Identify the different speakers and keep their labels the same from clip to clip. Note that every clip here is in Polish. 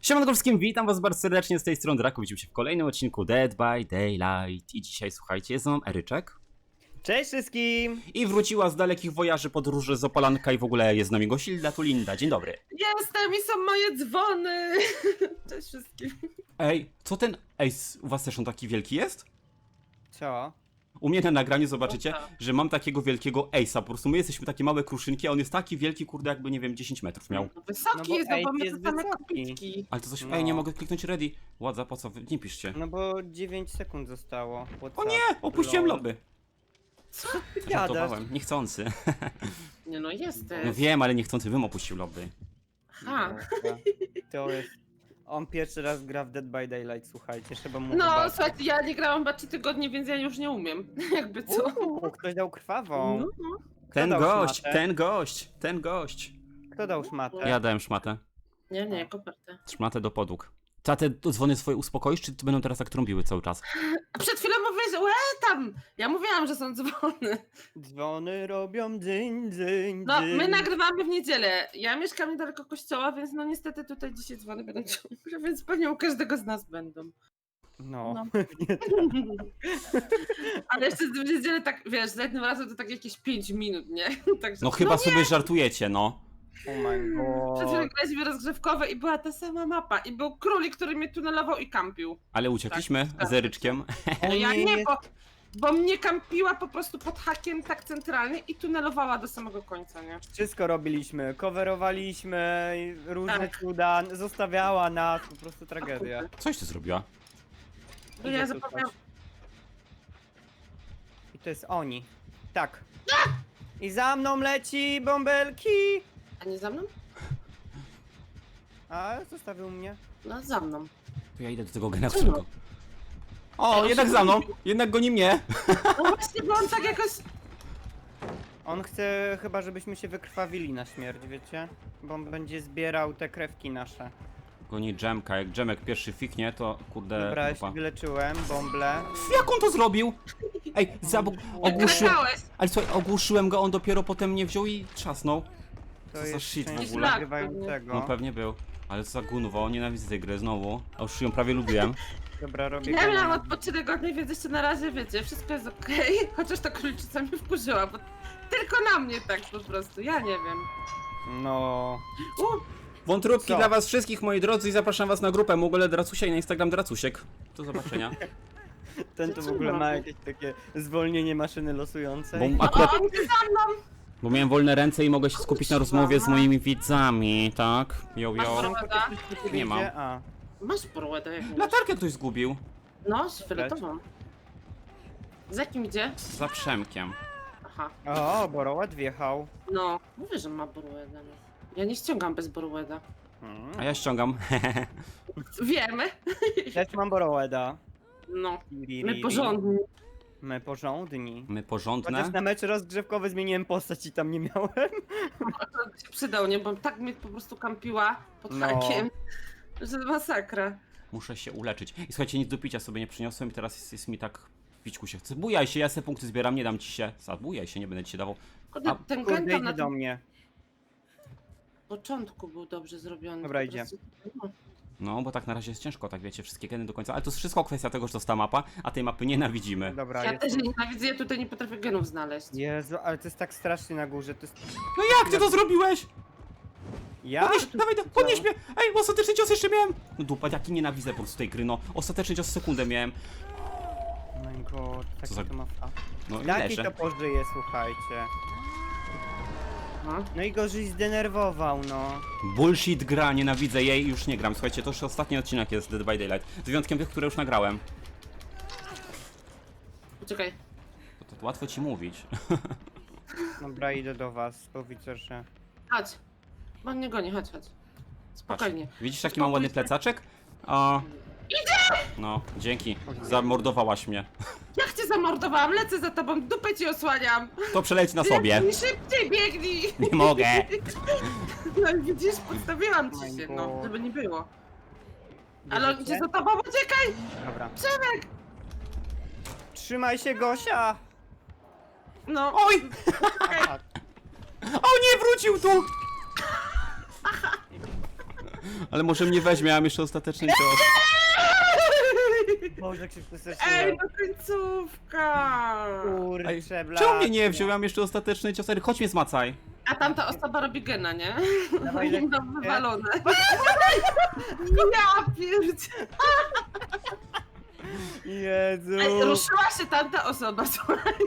Speaker 1: Siemanko wszystkim, witam was bardzo serdecznie z tej strony Draku. Widzimy się w kolejnym odcinku Dead by Daylight. I dzisiaj, słuchajcie, jest nam Eryczek.
Speaker 2: Cześć wszystkim!
Speaker 1: I wróciła z dalekich wojaży podróży z Opolanka i w ogóle jest z nami Gosilda Tulinda. Dzień dobry.
Speaker 3: Jestem i są moje dzwony! Cześć wszystkim.
Speaker 1: Ej, co ten Ace u was też on taki wielki jest?
Speaker 2: Co?
Speaker 1: U mnie na nagraniu zobaczycie,
Speaker 3: Opa.
Speaker 1: że mam takiego wielkiego Ace'a. Po prostu my jesteśmy takie małe kruszynki, a on jest taki wielki, kurde, jakby nie wiem, 10 metrów miał.
Speaker 3: Wysoki
Speaker 2: No bo
Speaker 3: jest, no bo
Speaker 2: Ace
Speaker 3: my
Speaker 2: jest
Speaker 3: to same
Speaker 2: wysoki.
Speaker 3: kopitki.
Speaker 1: Ale to coś,
Speaker 2: No.
Speaker 1: ej, nie mogę kliknąć ready. Ładza, po co? Nie piszcie.
Speaker 2: No bo 9 sekund zostało.
Speaker 1: O nie, opuściłem
Speaker 2: Lol.
Speaker 1: lobby.
Speaker 3: Co?
Speaker 2: Gadasz?
Speaker 1: Żartowałem, niechcący.
Speaker 3: Nie no, jesteś.
Speaker 1: No wiem, ale niechcący bym opuścił lobby.
Speaker 3: Ha.
Speaker 2: Dobra. To jest... On pierwszy raz gra w Dead by Daylight, słuchajcie, trzeba mu
Speaker 3: No,
Speaker 2: wybaczyć.
Speaker 3: słuchajcie, ja nie grałam chyba 3 tygodnie, więc ja już nie umiem. Jakby co.
Speaker 2: Ktoś dał krwawą.
Speaker 3: No,
Speaker 2: Kto
Speaker 1: Ten
Speaker 2: dał
Speaker 1: gość,
Speaker 2: szmatę?
Speaker 1: ten gość.
Speaker 2: Kto dał szmatę?
Speaker 1: Ja dałem szmatę.
Speaker 3: nie, kopertę.
Speaker 1: Szmatę do podłóg. Ty te dzwony swoje uspokoisz, czy będą teraz tak trąbiły cały czas?
Speaker 3: A przed chwilą mówiłeś, łe tam! Ja mówiłam, że są dzwony.
Speaker 2: Dzwony robią dzyń, dzyń,
Speaker 3: No,
Speaker 2: dzyń.
Speaker 3: my nagrywamy w niedzielę. Ja mieszkam niedaleko kościoła, więc no niestety tutaj dzisiaj dzwony będą ciągle, więc pewnie u każdego z nas będą.
Speaker 2: No,
Speaker 3: No.
Speaker 2: pewnie tak.
Speaker 3: Ale jeszcze w niedzielę tak, wiesz, za jednym razem to tak jakieś 5 minut, nie? Także,
Speaker 1: No chyba sobie żartujecie, no.
Speaker 2: Oh my
Speaker 3: Przed chwilą
Speaker 2: god.
Speaker 3: graliśmy rozgrzewkowe i była ta sama mapa. I był królik, który mnie tunelował i kampił.
Speaker 1: Ale uciekliśmy
Speaker 3: Tak.
Speaker 1: z Eryczkiem.
Speaker 3: No ja
Speaker 2: nie
Speaker 3: nie,
Speaker 2: jest-
Speaker 3: bo mnie kampiła po prostu pod hakiem tak centralnie i tunelowała do samego końca, nie?
Speaker 2: Wszystko robiliśmy, coverowaliśmy, różne
Speaker 3: Tak.
Speaker 2: cuda, zostawiała nas, po prostu tragedia.
Speaker 1: Coś ty zrobiła?
Speaker 3: Bo
Speaker 2: Idzie
Speaker 3: ja
Speaker 2: tu
Speaker 3: zapomniałam.
Speaker 2: coś. I to jest oni. Tak. I za mną leci bąbelki!
Speaker 3: A nie za mną?
Speaker 2: A, zostawił mnie.
Speaker 3: No za mną.
Speaker 1: To ja idę do tego gena, którego... O,
Speaker 3: Ej,
Speaker 1: jednak
Speaker 3: on
Speaker 1: za
Speaker 3: się
Speaker 1: mną!
Speaker 3: zgubił.
Speaker 1: Jednak goni mnie!
Speaker 3: No właśnie, bo on tak jakoś...
Speaker 2: On chce chyba, żebyśmy się wykrwawili na śmierć, wiecie? Bo on będzie zbierał te krewki nasze.
Speaker 1: Goni Dżemka, jak Dżemek pierwszy fiknie, to kurde...
Speaker 2: Dobra, ja
Speaker 1: dupa.
Speaker 2: się wyleczyłem, bąble.
Speaker 1: Jak on to zrobił? Ej, ogłuszyłem...
Speaker 3: Krakałeś.
Speaker 1: Ale słuchaj, ogłuszyłem go, on dopiero potem mnie wziął i trzasnął.
Speaker 2: To
Speaker 1: Co za
Speaker 2: jest
Speaker 1: shit w
Speaker 2: część
Speaker 1: ogóle?
Speaker 2: nagrywającego.
Speaker 1: No pewnie był. Ale co za gunwo, nienawidzę tej gry znowu. A już ją prawie lubiłem.
Speaker 2: Dobra, robię
Speaker 3: Ja miałam
Speaker 2: kanał.
Speaker 3: odpoczynek tygodni, więc jeszcze na razie wiecie, wszystko jest okej. Chociaż ta króliczyca mnie wkurzyła, bo tylko na mnie tak po prostu, ja nie wiem.
Speaker 2: No...
Speaker 1: Wątróbki
Speaker 2: Co?
Speaker 1: dla was wszystkich, moi drodzy, i zapraszam was na grupę Mogole Dracusia i na Instagram Dracusiek. Do zobaczenia.
Speaker 2: Ten to w
Speaker 3: Co
Speaker 2: ogóle ma
Speaker 3: robi?
Speaker 2: jakieś takie zwolnienie maszyny losującej.
Speaker 1: Bo akurat...
Speaker 3: O, on idzie za mną!
Speaker 1: Bo miałem wolne ręce i mogę się skupić na rozmowie z moimi widzami, tak? Yo,
Speaker 3: Masz
Speaker 1: yo.
Speaker 3: browara?
Speaker 1: Nie mam.
Speaker 2: A,
Speaker 3: Masz porłedę jakąś.
Speaker 1: Latarkę ktoś zgubił.
Speaker 3: No, z fioletową. Z jakim idzie?
Speaker 1: Za Przemkiem.
Speaker 3: Aha.
Speaker 2: o, Boroład wjechał.
Speaker 3: No, mówię, że ma Borweda. No. Ja nie ściągam bez Borweda.
Speaker 1: A ja ściągam.
Speaker 3: Wiemy.
Speaker 2: Też mam Borołeda.
Speaker 3: No, my porządni.
Speaker 2: My porządni.
Speaker 1: My
Speaker 2: Chociaż
Speaker 1: porządne.
Speaker 2: na mecz rozgrzewkowy zmieniłem postać i tam nie miałem.
Speaker 3: To by się przydał, nie? Bo tak mnie po prostu kampiła pod
Speaker 2: No.
Speaker 3: hakiem, że masakra.
Speaker 1: Muszę się uleczyć. I słuchajcie, nic do picia sobie nie przyniosłem i teraz jest mi tak... Pićku się chce. Bujaj się, ja se punkty zbieram, nie dam ci się. Zabujaj się, nie będę ci się dawał.
Speaker 3: Kurde,
Speaker 1: A,
Speaker 3: ten
Speaker 2: Kurde,
Speaker 3: gen tam
Speaker 2: idzie
Speaker 3: na
Speaker 2: do
Speaker 3: tym
Speaker 2: mnie.
Speaker 3: początku był dobrze zrobiony.
Speaker 2: Dobra,
Speaker 3: po
Speaker 2: idzie.
Speaker 3: prostu- no.
Speaker 1: No, bo tak na razie jest ciężko, tak wiecie, wszystkie geny do końca. Ale to jest wszystko kwestia tego, że to jest ta mapa, a tej mapy nienawidzimy.
Speaker 2: Dobra,
Speaker 3: Ja
Speaker 2: jest.
Speaker 3: też nienawidzę, ja tutaj nie potrafię genów znaleźć.
Speaker 2: Jezu, ale to jest tak strasznie na górze, to jest...
Speaker 1: No jak ty to zrobiłeś?
Speaker 2: Ja?
Speaker 1: Podnieś, dawaj, podnieś mnie! Ej, ostateczny cios jeszcze miałem! No dupa, jaki nienawidzę po prostu tej gry, no. Ostateczny cios w sekundę miałem.
Speaker 2: Oh my god, taki
Speaker 1: za-
Speaker 2: to ma fa...
Speaker 1: No i
Speaker 2: Taki to
Speaker 1: leżę.
Speaker 2: pożyje, słuchajcie.
Speaker 3: No.
Speaker 2: No i gorzej zdenerwował, no.
Speaker 1: Bullshit gra, nienawidzę jej, już nie gram. Słuchajcie, to już ostatni odcinek jest Dead by Daylight. Z wyjątkiem tych, które już nagrałem.
Speaker 3: Poczekaj.
Speaker 1: To łatwo ci mówić.
Speaker 2: Dobra, idę do was, bo widzę, że...
Speaker 3: Chodź. Bo on nie goni, chodź.
Speaker 1: Patrz,
Speaker 3: Spokojnie.
Speaker 1: widzisz jaki mam ładny plecaczek? O. No, dzięki. Zamordowałaś mnie.
Speaker 3: Jak cię zamordowałam? Lecę za tobą, dupę ci osłaniam.
Speaker 1: To przeleć na sobie.
Speaker 3: Biegnij, szybciej biegnij.
Speaker 1: Nie mogę.
Speaker 3: No i widzisz, podstawiłam ci
Speaker 2: My
Speaker 3: się,
Speaker 2: God.
Speaker 3: no, żeby nie było. Ale on
Speaker 2: Bierzecie?
Speaker 3: idzie za tobą, uciekaj!
Speaker 2: Dobra.
Speaker 3: Przemek!
Speaker 2: Trzymaj się, Gosia!
Speaker 3: No,
Speaker 1: Oj!
Speaker 2: Aha,
Speaker 1: O nie, wrócił tu! Ale może mnie weźmie, ja mam jeszcze ostateczny cios.
Speaker 2: Boże, jak się
Speaker 3: Ej,
Speaker 2: przestraszyłem.
Speaker 3: no końcówka!
Speaker 2: Kurczę,
Speaker 1: Czemu mnie nie wziął? Ja mam jeszcze ostateczny cios. Eryk, chodź mnie zmacaj.
Speaker 3: A tamta osoba robi gena, nie?
Speaker 2: Dawaj, Lek-
Speaker 3: No wywalone. Ja pierdzie.
Speaker 2: Jezu.
Speaker 3: Ej, ruszyła się tamta osoba, słuchajcie.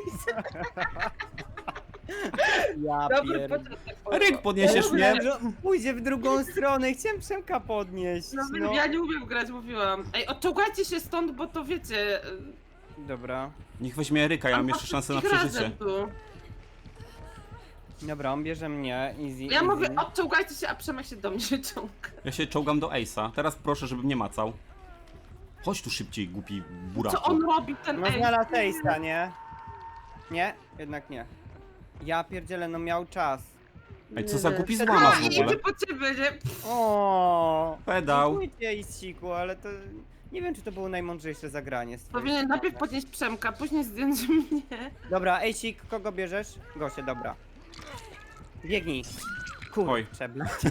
Speaker 2: Ja
Speaker 3: Dobry
Speaker 2: pierd...
Speaker 3: początek.
Speaker 1: Eryk, podniesiesz mnie?
Speaker 2: Pójdzie w drugą stronę, chciałem Przemka podnieść.
Speaker 3: No,
Speaker 2: No.
Speaker 3: ja nie umiem grać, mówiłam. Ej, odciągajcie się stąd, bo to wiecie...
Speaker 2: Dobra.
Speaker 1: Niech weźmie Eryka, ja mam jeszcze szansę na
Speaker 3: wszystkich
Speaker 1: przeżycie.
Speaker 3: razem tu.
Speaker 2: Dobra, on bierze mnie, easy,
Speaker 3: Ja
Speaker 2: easy.
Speaker 3: mówię, odciągajcie się, a Przemek się do mnie ciąga.
Speaker 1: Ja się czołgam do Ace'a. Teraz proszę, żeby mnie macał. Chodź tu szybciej, głupi buraku.
Speaker 3: Co on robi, ten
Speaker 2: No
Speaker 3: ej?
Speaker 2: znalazł Ace'a, nie? Nie? Jednak nie. Ja pierdzielę, no miał czas.
Speaker 1: Ej, co za głupi
Speaker 2: Przed
Speaker 1: złamas
Speaker 2: nami.
Speaker 1: w ogóle.
Speaker 3: Idzie po ciebie, nie?
Speaker 2: O.
Speaker 1: Pedał.
Speaker 2: Dziękuję Isiku, ale to... Nie wiem, czy to było najmądrzejsze zagranie z twojej
Speaker 3: Powinien
Speaker 2: strony.
Speaker 3: najpierw podnieść Przemka, później zdjąć mnie.
Speaker 2: Dobra, Ejsik, kogo bierzesz? Gosie, dobra. Biegnij.
Speaker 1: Oj.
Speaker 2: Kurczę,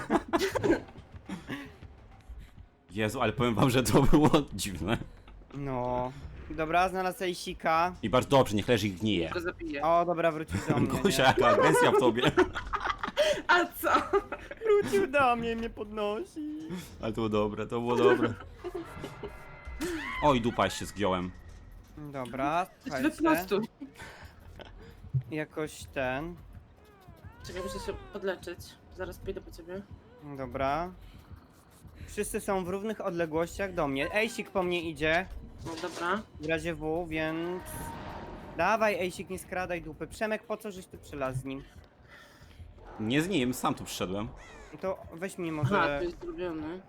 Speaker 1: Jezu, ale powiem wam, że to było dziwne.
Speaker 2: No. Dobra, znalazł Ejsika.
Speaker 1: I bardzo dobrze, niech leży i gnije.
Speaker 3: Go zabiję.
Speaker 2: O, dobra, wrócił do mnie.
Speaker 1: Gosia,
Speaker 2: nie?
Speaker 1: jaka agresja w tobie.
Speaker 3: A co?
Speaker 2: Wrócił do mnie, mnie podnosi.
Speaker 1: Ale to było dobre, to było dobre. Oj, dupa się zgiąłem.
Speaker 2: Dobra, słuchajcie.
Speaker 3: Wyprostuj.
Speaker 2: Jakoś ten.
Speaker 3: Czekaj, muszę się podleczyć. Zaraz pójdę po ciebie.
Speaker 2: Dobra. Wszyscy są w równych odległościach do mnie. Ejsik po mnie idzie.
Speaker 3: No dobra.
Speaker 2: W razie W, więc... Dawaj, Ejsik, nie skradaj dupy. Przemek, po co żeś tu przylazł z nim?
Speaker 1: Nie z nim, sam tu przyszedłem.
Speaker 2: No to weź mi
Speaker 3: Aha,
Speaker 2: może...
Speaker 3: to jest zrobione.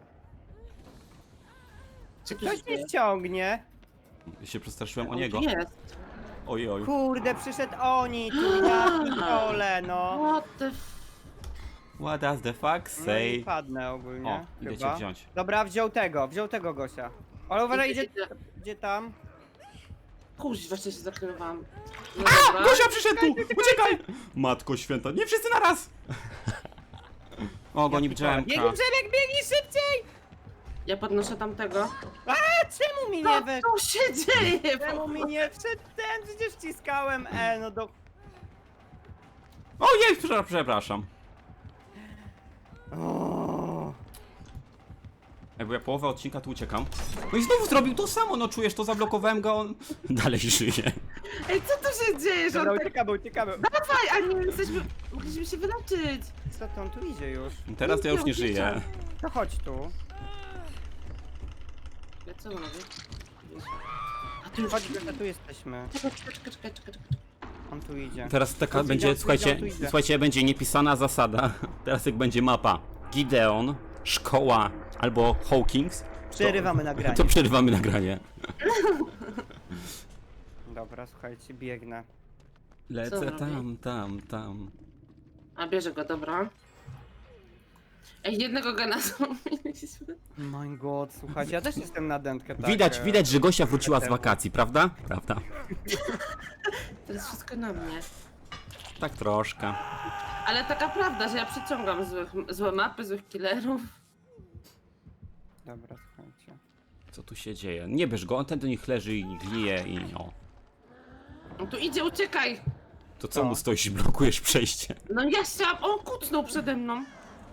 Speaker 2: Czy ktoś mnie ściągnie?
Speaker 1: Ja się przestraszyłem o
Speaker 3: On
Speaker 1: niego.
Speaker 3: tu jest.
Speaker 1: Oj, oj.
Speaker 2: Kurde, przyszedł oni tu, ja pitole, no.
Speaker 3: What the f...
Speaker 1: What does the fuck
Speaker 2: No i
Speaker 1: say?
Speaker 2: padnę ogólnie,
Speaker 1: O, idę cię
Speaker 2: chyba.
Speaker 1: wziąć.
Speaker 2: Dobra, wziął tego Gosia. Ale uważaj, idzie tam.
Speaker 3: Kuźwa, się zakrywam. No dobra.
Speaker 1: Gosia przyszedł tu! Uciekaj! Matko święta, nie wszyscy naraz! O, goni drzemka.
Speaker 2: Biegnij, Przemek, biegnij szybciej!
Speaker 3: Ja podnoszę tamtego.
Speaker 2: A czemu mi
Speaker 3: Co
Speaker 2: nie we...
Speaker 3: tu się dzieje?
Speaker 2: Czemu mi nie wszedł ten? Przecież wciskałem no do...
Speaker 1: Ojej, przepraszam.
Speaker 2: O,
Speaker 1: Jakby ja połowę odcinka tu uciekam. No i znowu zrobił to samo, no czujesz to, zablokowałem go, on dalej żyje.
Speaker 3: Ej, co tu się dzieje, że
Speaker 2: Dobra,
Speaker 3: on tak...
Speaker 2: uciekamy.
Speaker 3: Dawaj, a nie jesteśmy... Mogliśmy się wyleczyć.
Speaker 2: Co to on tu idzie już?
Speaker 1: Teraz to ja już nie żyję.
Speaker 2: To chodź tu.
Speaker 3: Co on robi? A tu już...
Speaker 2: Chodź, Gosia, tu jesteśmy.
Speaker 3: Czekaj.
Speaker 2: On tu idzie.
Speaker 1: Teraz taka
Speaker 2: Tu idzie,
Speaker 1: będzie,
Speaker 2: tu idzie,
Speaker 1: słuchajcie,
Speaker 2: tu idzie.
Speaker 1: słuchajcie, będzie niepisana zasada. Teraz jak będzie mapa Gideon, szkoła albo Hawkins,
Speaker 2: Przerywamy nagranie.
Speaker 1: to przerywamy nagranie.
Speaker 2: Dobra, słuchajcie, biegnę.
Speaker 3: Co
Speaker 1: Lecę
Speaker 3: on robi?
Speaker 1: tam.
Speaker 3: A bierze go, dobra. Ej, jednego gena zrobiliśmy.
Speaker 2: My god, słuchajcie, ja też jestem na dętkę, tak.
Speaker 1: Widać, że Gosia wróciła z
Speaker 2: temu.
Speaker 1: wakacji, prawda? Prawda.
Speaker 3: To jest wszystko na mnie.
Speaker 1: Tak troszkę.
Speaker 3: Ale taka prawda, że ja przyciągam złe mapy, złych killerów.
Speaker 2: Dobra, słuchajcie.
Speaker 1: Co tu się dzieje? Nie bierz go, on ten do nich leży i glije i o.
Speaker 3: On tu idzie, uciekaj!
Speaker 1: To co
Speaker 2: Co?
Speaker 1: mu stoisz i blokujesz przejście?
Speaker 3: No ja chciałam, on kucnął przede mną.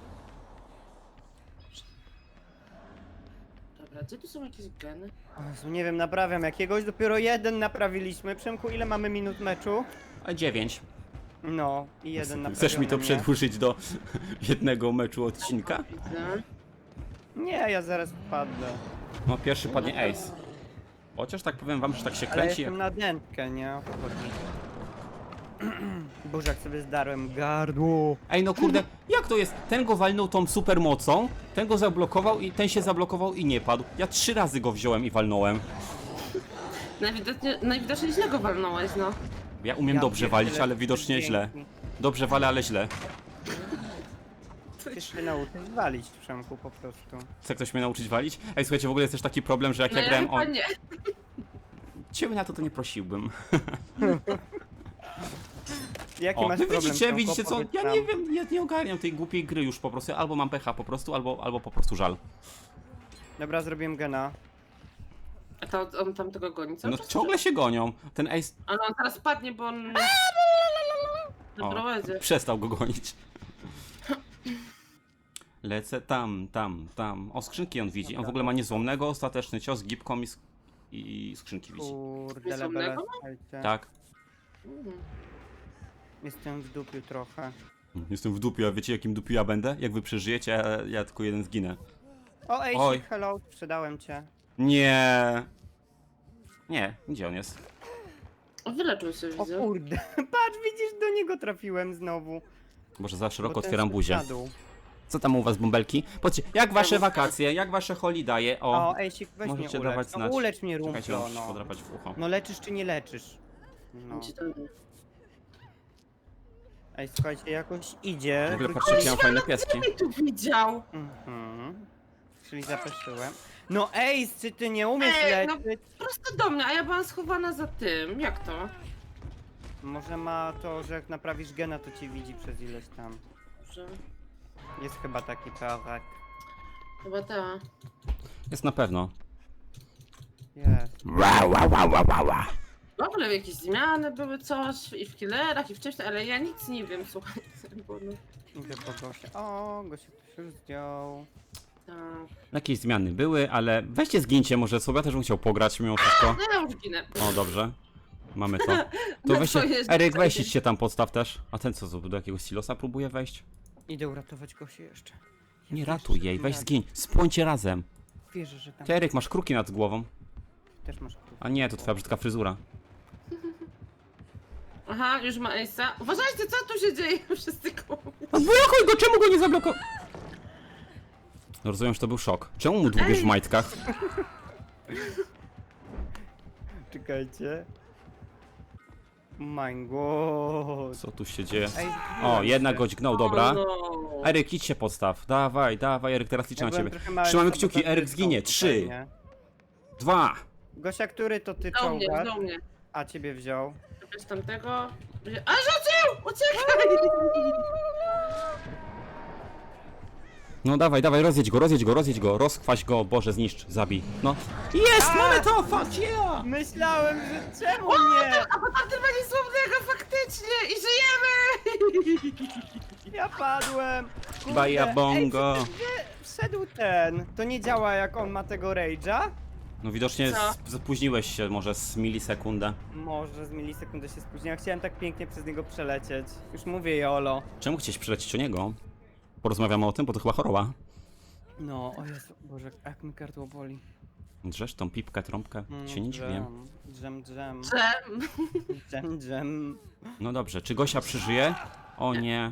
Speaker 3: Dobra, gdzie tu są jakieś geny?
Speaker 2: O Jezu, nie wiem, naprawiam jakiegoś, dopiero jeden naprawiliśmy. Przemku, ile mamy minut meczu?
Speaker 1: A 9.
Speaker 2: No, i jeden naprawiony.
Speaker 1: Chcesz mi to
Speaker 2: nie?
Speaker 1: przedłużyć do jednego meczu odcinka?
Speaker 3: Widzę.
Speaker 2: Nie, ja zaraz wpadnę.
Speaker 1: No pierwszy padnie Ace. Chociaż tak powiem wam, że tak się
Speaker 2: Ale
Speaker 1: kręci.
Speaker 2: jestem na dętkę, nie? O to chodzi. Boże, jak sobie zdarłem gardło.
Speaker 1: Ej no kurde, jak to jest? Ten go walnął tą super mocą, ten go zablokował i ten się zablokował i nie padł. Ja 3 razy go wziąłem i walnąłem.
Speaker 3: Najwidoczniej źle go walnąłeś, no.
Speaker 1: Ja umiem
Speaker 2: Ja
Speaker 1: dobrze
Speaker 2: pierdzielę,
Speaker 1: walić, ale widocznie
Speaker 2: pięknie.
Speaker 1: źle. Dobrze walę, ale źle.
Speaker 2: Chcesz się nauczyć walić, Przemku, po prostu.
Speaker 1: Chce ktoś mnie nauczyć walić? Ej, słuchajcie, w ogóle jest też taki problem, że jak
Speaker 3: No
Speaker 1: ja
Speaker 3: ja
Speaker 1: grałem
Speaker 3: chyba
Speaker 1: o...
Speaker 3: nie.
Speaker 1: Ciebie na to nie prosiłbym.
Speaker 2: Jaki
Speaker 1: O,
Speaker 2: masz
Speaker 1: wy
Speaker 2: problem z
Speaker 1: widzicie,
Speaker 2: tą
Speaker 1: widzicie co?
Speaker 2: powiedz
Speaker 1: Ja
Speaker 2: nam.
Speaker 1: nie wiem, ja nie ogarniam tej głupiej gry już po prostu. Albo mam pecha po prostu, albo po prostu żal.
Speaker 2: Dobra, zrobiłem gena.
Speaker 3: A to on tam tego goni, co?
Speaker 1: No ciągle się gonią. Ten Ace...
Speaker 3: Ale on teraz padnie, bo on...
Speaker 1: O,
Speaker 3: Doprowadzi.
Speaker 1: przestał go gonić. Lecę tam. O, skrzynki on widzi. On w ogóle ma niezłomnego, ostateczny cios, gipką i skrzynki widzi.
Speaker 2: Kurde,
Speaker 3: Jest
Speaker 2: lebele,
Speaker 3: omnego?
Speaker 2: słuchajcie.
Speaker 1: Tak.
Speaker 2: Jestem w dupiu trochę.
Speaker 1: Jestem w dupiu, a wiecie jakim dupiu ja będę? Jak wy przeżyjecie, a ja tylko jeden zginę.
Speaker 2: O, ej,
Speaker 1: Oj.
Speaker 2: hello, sprzedałem cię.
Speaker 1: Nie. Nie, gdzie on jest?
Speaker 3: Wyleczył się,
Speaker 2: O
Speaker 3: widzę.
Speaker 2: kurde, patrz, widzisz, do niego trafiłem znowu.
Speaker 1: Boże, za szeroko
Speaker 2: Bo ten
Speaker 1: otwieram
Speaker 2: szedł
Speaker 1: buzię.
Speaker 2: na dół.
Speaker 1: Co tam u was, bąbelki? Patrzcie, jak wasze wakacje, jak wasze holidaye? O,
Speaker 2: O, ej, weź
Speaker 1: możecie
Speaker 2: mnie
Speaker 1: dawać
Speaker 2: ulecz. No,
Speaker 1: znać.
Speaker 2: ulecz mnie,
Speaker 1: czekajcie,
Speaker 2: Rumplo,
Speaker 1: muszę
Speaker 2: no.
Speaker 1: podrapać w ucho.
Speaker 2: No leczysz czy nie leczysz? No.
Speaker 3: Gdzie tam-
Speaker 2: Ej, słuchajcie, jakoś idzie.
Speaker 1: W ogóle
Speaker 2: wrócili-
Speaker 1: patrzcie, jakie mam fajne pieski.
Speaker 3: Ej, tu widział!
Speaker 2: Mhm. Czyli zapeszyłem. No ej, czy ty nie umiesz
Speaker 3: Ej, no-
Speaker 2: leczyć?
Speaker 3: Prosto do mnie, a ja byłam schowana za tym. Jak to?
Speaker 2: Może ma to, że jak naprawisz gena, to cię widzi przez ileś tam.
Speaker 3: Że...
Speaker 2: Jest chyba taki prawak.
Speaker 3: Chyba ta.
Speaker 1: Jest na pewno.
Speaker 2: Jest.
Speaker 3: W ogóle jakieś zmiany były coś i w killerach i wcześniej, ale ja nic nie wiem, słuchaj. Bo no,
Speaker 2: Idę po Gosie. O, Gosia ktoś już zdjął.
Speaker 3: tak.
Speaker 1: Jakieś zmiany były, ale weźcie zgincie może sobie, ja też bym chciał pograć mimo wszystko.
Speaker 3: No ja już ginę.
Speaker 1: O, dobrze. Mamy to. To
Speaker 3: No
Speaker 1: weźcie,
Speaker 3: to jest-
Speaker 1: Eryk, weź idźcie tam podstaw też. A ten co, do jakiegoś silosa próbuje wejść?
Speaker 2: Idę uratować Gosię jeszcze.
Speaker 1: Nie
Speaker 2: wiesz,
Speaker 1: ratuj
Speaker 2: że
Speaker 1: jej,
Speaker 2: tam
Speaker 1: weź
Speaker 2: rad-
Speaker 1: zgiń. Spłońcie razem.
Speaker 2: Wierzę, że tam
Speaker 1: Ty, Eryk, masz kruki nad głową.
Speaker 2: też masz kruk.
Speaker 1: A nie, to twoja brzydka fryzura.
Speaker 3: Aha, już ma Ace'a. Uważajcie, co tu się dzieje? Wszyscy koło mnie.
Speaker 1: Odblokuj go, czemu go nie zablokował? No rozumiem, że to był szok. Czemu mu dłubiesz w majtkach?
Speaker 2: Czekajcie. My god.
Speaker 1: Co tu się dzieje?
Speaker 2: Ej,
Speaker 1: O, jednak go dźgnął, dobra.
Speaker 3: O, no.
Speaker 1: Eryk, idź się podstaw. Dawaj, Eryk, teraz liczę
Speaker 2: Ja
Speaker 1: na
Speaker 2: byłem
Speaker 1: ciebie.
Speaker 2: trochę małym
Speaker 1: Trzymamy kciuki,
Speaker 2: sabotażystą
Speaker 1: Eryk zginie.
Speaker 2: tutaj,
Speaker 1: 3,
Speaker 2: nie?
Speaker 1: 2.
Speaker 2: Gosia, który to ty
Speaker 3: Do mnie,
Speaker 2: czołgasz?
Speaker 3: do mnie.
Speaker 2: A ciebie wziął.
Speaker 3: Bez tamtego... A rzucił! Uciekaj!
Speaker 1: No dawaj, rozjedź go, rozchwaś go, Boże, zniszcz, zabij. No. Jest, mamy to, fuck yeah!
Speaker 2: Myślałem, że czemu nie?
Speaker 3: A bo tamten ma niesłownego faktycznie i żyjemy!
Speaker 2: Ja padłem. Kurde.
Speaker 1: Baja bongo.
Speaker 2: Ej, wszedł ten. To nie działa jak on ma tego rage'a?
Speaker 1: No widocznie
Speaker 3: Co?
Speaker 1: spóźniłeś się może z milisekundę.
Speaker 2: Może z milisekundy się spóźniłem. Chciałem tak pięknie przez niego przelecieć. Już mówię Jolo.
Speaker 1: Czemu chciałeś przylecieć o niego? Porozmawiamy o tym, bo to chyba choroba.
Speaker 2: No, o Jezu, Boże, jak mi gardło boli.
Speaker 1: Drzesz tą pipkę, trąbkę, się nie dziwię.
Speaker 2: Dżem.
Speaker 3: Dżem.
Speaker 2: Dżem.
Speaker 1: No dobrze, czy Gosia przeżyje? O nie.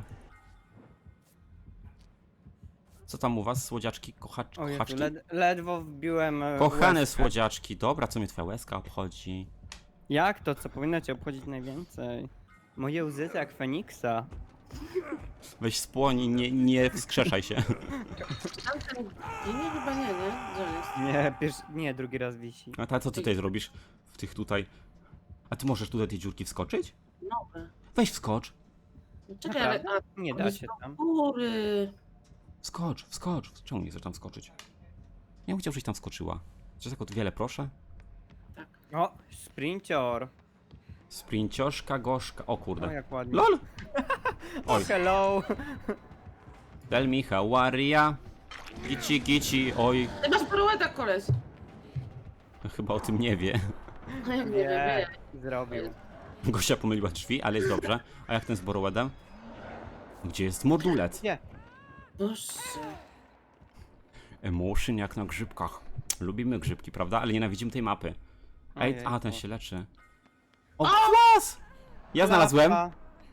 Speaker 1: Co tam u was, słodziaczki,
Speaker 2: O Jezu,
Speaker 1: kochaczki?
Speaker 2: ledwo wbiłem
Speaker 1: Kochane
Speaker 2: łezkę.
Speaker 1: słodziaczki, dobra, co mnie twoja łezka obchodzi?
Speaker 2: Jak to, co powinno cię obchodzić najwięcej? Moje łzy to jak Feniksa.
Speaker 1: Weź spłoń i nie wskrzeszaj się.
Speaker 3: Tamten ginie chyba nie, nie? Gdzie on jest?
Speaker 2: Nie, drugi raz wisi.
Speaker 1: A ta co ty tutaj zrobisz? W tych tutaj... A ty możesz tutaj tej dziurki wskoczyć?
Speaker 3: Nowe.
Speaker 1: Weź wskocz.
Speaker 3: No czekaj, ale...
Speaker 2: Naprawdę?
Speaker 3: A,
Speaker 2: Nie
Speaker 3: on
Speaker 2: da
Speaker 3: jest
Speaker 2: się
Speaker 3: do
Speaker 2: tam.
Speaker 3: góry.
Speaker 1: Wskocz. Czemu nie chcesz tam skoczyć? Ja bym chciał, żebyś tam skoczyła. Czy tak od wiele proszę?
Speaker 3: Tak.
Speaker 2: O, sprincior.
Speaker 1: Sprincioszka, gorzka. O
Speaker 2: O,
Speaker 1: kurde.
Speaker 2: jak ładnie.
Speaker 1: LOL!
Speaker 2: O,
Speaker 1: Oj,
Speaker 2: hello.
Speaker 1: tell me how are ya? Gici, oj.
Speaker 3: Ty masz pirueta, koleś.
Speaker 1: Chyba o tym nie wie.
Speaker 3: No jak nie
Speaker 2: Nie,
Speaker 3: wiem.
Speaker 2: zrobił.
Speaker 1: Gosia pomyliła drzwi, ale jest dobrze. A jak ten z Borowedem? Gdzie jest modulet?
Speaker 2: Nie.
Speaker 3: Boże.
Speaker 1: Emotion jak na grzybkach. Lubimy grzybki, prawda? Ale nienawidzimy tej mapy. Ej,
Speaker 2: Ojejku.
Speaker 1: a ten się leczy. O, kwas! Ja znalazłem.
Speaker 2: Klapa.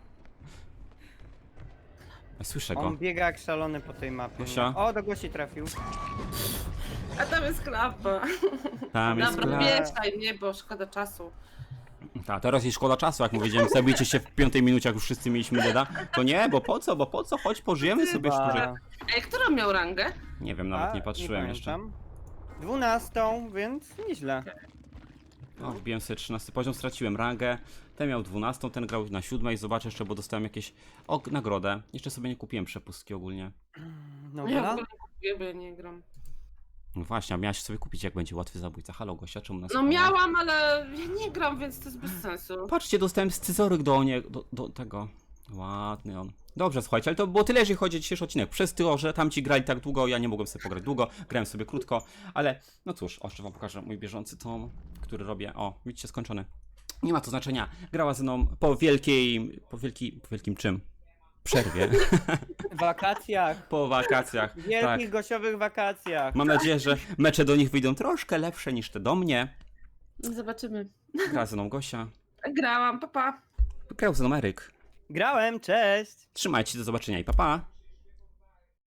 Speaker 1: Słyszę go.
Speaker 2: On biega jak szalony po tej mapie.
Speaker 1: Gosia?
Speaker 2: O, do Gosi trafił.
Speaker 3: A tam jest klapa.
Speaker 1: Tam jest
Speaker 3: Dobra,
Speaker 1: klap.
Speaker 3: mieszaj mnie, bo szkoda czasu.
Speaker 1: Ta, teraz jest szkoda czasu, jak powiedziałem, zabijcie się w 5 minucie, jak już wszyscy mieliśmy deda. To nie, bo po co, chodź, pożyjemy sobie
Speaker 2: Chyba.
Speaker 1: szczurze.
Speaker 3: Ej, którą miał rangę?
Speaker 1: Nie wiem, nawet
Speaker 2: A,
Speaker 1: nie patrzyłem jeszcze.
Speaker 2: pamiętam. 12, więc nieźle.
Speaker 1: O, wbiłem sobie 13 poziom, straciłem rangę. Ten miał 12, ten grał na 7. Zobaczę jeszcze, bo dostałem jakieś nagrodę. Jeszcze sobie nie kupiłem przepustki ogólnie.
Speaker 2: No
Speaker 3: Ja w
Speaker 2: gra?
Speaker 3: ogóle nie kupuję, bo ja nie gram.
Speaker 1: No właśnie, a miałaś sobie kupić, jak będzie łatwy zabójca. Halo, Gosia, czemu nas
Speaker 3: No
Speaker 1: kocha?
Speaker 3: miałam, ale ja nie gram, więc to jest bez sensu.
Speaker 1: Patrzcie, dostałem scyzoryk do tego. Ładny on. Dobrze, słuchajcie, ale to było tyle, jeżeli chodzi o dzisiejszy odcinek. Przez to, że tamci grali tak długo, ja nie mogłem sobie pograć długo, grałem sobie krótko, ale no cóż, jeszcze wam pokażę mój bieżący tom, który robię. O, widzicie, skończony. Nie ma to znaczenia. Grała ze mną po wielkim czym? Przerwie.
Speaker 2: Wakacjach.
Speaker 1: Po wakacjach. Tak.
Speaker 2: Wielkich gościowych wakacjach.
Speaker 1: Mam nadzieję, że mecze do nich wyjdą troszkę lepsze niż te do mnie.
Speaker 3: Zobaczymy.
Speaker 1: Gra ze mną Gosia.
Speaker 3: Grałam, papa.
Speaker 1: Grał ze mną Eryk.
Speaker 2: Grałem, cześć.
Speaker 1: Trzymajcie się, do zobaczenia i pa pa.